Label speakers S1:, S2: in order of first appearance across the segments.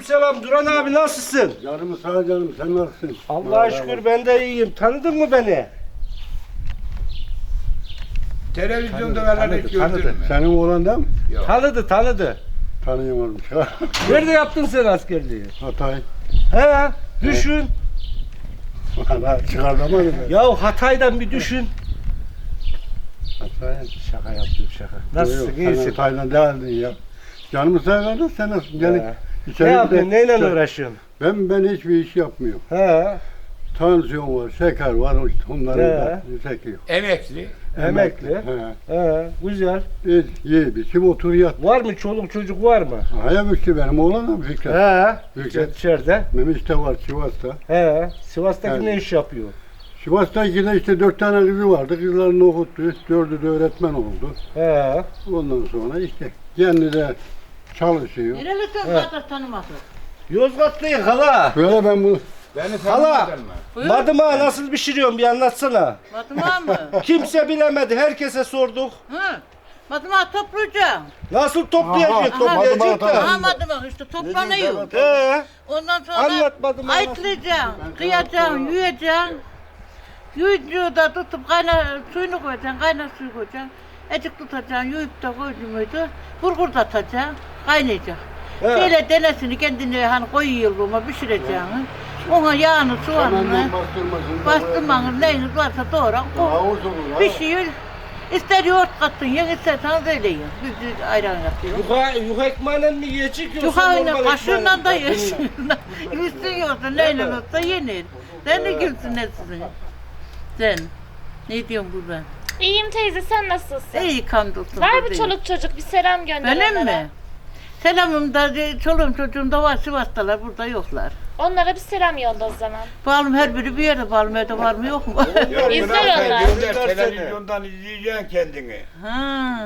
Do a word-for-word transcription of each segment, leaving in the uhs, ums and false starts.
S1: Aleykümselam Duran abi nasılsın?
S2: Canım sağ ol canım, sen nasılsın?
S1: Allah'a şükür ben de iyiyim. Tanıdın mı beni?
S3: Televizyonda falan hiç gördün
S1: tanıdı.
S3: mü?
S2: Senin oğlan da mı?
S3: Yok.
S1: Tanıdı tanıdı.
S2: Tanıyamadım.
S1: Nerede yaptın sen askerliği?
S2: Hatay.
S1: He düşün.
S2: Valla çıkartamadım ben.
S1: Ya Hatay'dan bir düşün.
S2: Hatay.
S1: Şaka yaptım şaka. Nasılsın
S2: Yok, sen
S1: iyisin?
S2: Hatay'dan değildin ya. Canımı sağ ol, sen nasılsın? Gelin.
S1: He.
S2: içeri
S1: Ne
S2: bir de-
S1: yapıyorsun? Neyle uğraşıyorsun?
S2: Ben ben hiçbir iş yapmıyorum.
S1: He.
S2: Tansiyon var, şeker var, işte onları
S1: He.
S2: da çekiyor.
S3: Emekli.
S1: Emekli.
S2: He.
S1: He. Güzel.
S2: Hiç ye, biçim otur yat.
S1: Var mı çoluk çocuk var mı?
S2: Hayabüstü benim oğlan da Fikret.
S1: He.
S2: Fikret.
S1: İçeride.
S2: Memiş de var Sivas'ta.
S1: He. Sivas'taki
S2: Evet.
S1: ne iş yapıyor?
S2: Sivas'ta ikide işte dört tane kızı vardı. Kızlarını okuttu. Dördü de öğretmen oldu.
S1: He.
S2: Ondan sonra işte kendi de çalışıyor.
S4: Nerelisin zaten tanımadın?
S1: Yozgatlıyım hala.
S2: Böyle ben bu
S3: Beni
S1: Hala.
S3: tanımadın mı?
S4: Buyur.
S1: Madımağı nasıl pişiriyorsun bir anlatsana.
S4: Madımağı mı?
S1: Kimse bilemedi. Herkese sorduk.
S4: Hı. Madımağı toplayacağım.
S1: Nasıl toplayacak?
S2: Aha,
S1: Toplayacak
S2: madımağı
S1: da.
S4: Aha madımak işte toplanıyor.
S1: He.
S4: Ondan sonra
S1: Anlat madımağı.
S4: ayıtlayacağım, kıyacaksın, yüyeceksin. Yuyunca da tutup kaynar suyunu koyacaksın, kaynar suyu koyacaksın. Ecik tutacaksın, yuyup da koydun muydu? Burgur da atacaksın, kaynayacak.
S1: He.
S4: Şöyle denesini kendine hani koyu yılgıma pişireceksin. Ona yağını, soğanını,
S2: hemen bastırmasın.
S4: bastırmanın neyiniz varsa doğran koy.
S2: Havuz olur ha.
S4: Pişiyor. İster yoğurt kattın ya, istersen öyle yiyin. Biz de ayran yapıyoruz.
S1: Yuha, yuha ekmeğiyle mi yiyecek yoksa
S4: Yukarıyla
S1: normal
S4: kaşığından da
S1: ekmeğiyle mi?
S4: yiyorsun. Üstün yoksa neyle olsa yenir. Sen ne gülsün nesin? Sen. Ne diyorsun burada?
S5: İyiyim teyze, sen nasılsın?
S4: İyi kandılsın.
S5: Var mı
S4: buradayım.
S5: çoluk çocuk, bir selam gönder
S4: Benim
S5: onlara.
S4: mi? Selamım da çoluğum çocuğum da var Sivas'talar, burada yoklar.
S5: Onlara bir selam yolla o zaman.
S4: Bağlım her biri bir yerde, bağlım evde var mı yok mu?
S3: Yok,
S5: İzler
S3: bırak sen
S5: onlar.
S3: gönder,
S1: İzler seni.
S3: televizyondan izleyeceksin kendini.
S4: Ha.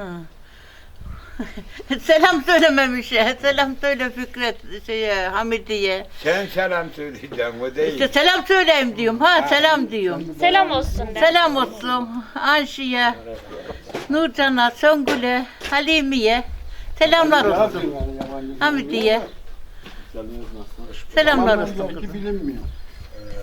S4: Selam söylememiş ya. Selam söyle Fikret şeye, Hamidiye.
S3: Sen selam söyleyeceksin, o değil.
S4: İşte selam söyleyeyim diyorum. Ha selam diyorum.
S5: Selam olsun de.
S4: Selam olsun Anşi'ye, Nurcan'a, Söngül'e, Halimi'ye. Selamlar olsun.
S2: Lazım yani yabancı.
S4: Hamidiye. Selamlar olsun.
S2: Almanca iki bilinmiyor.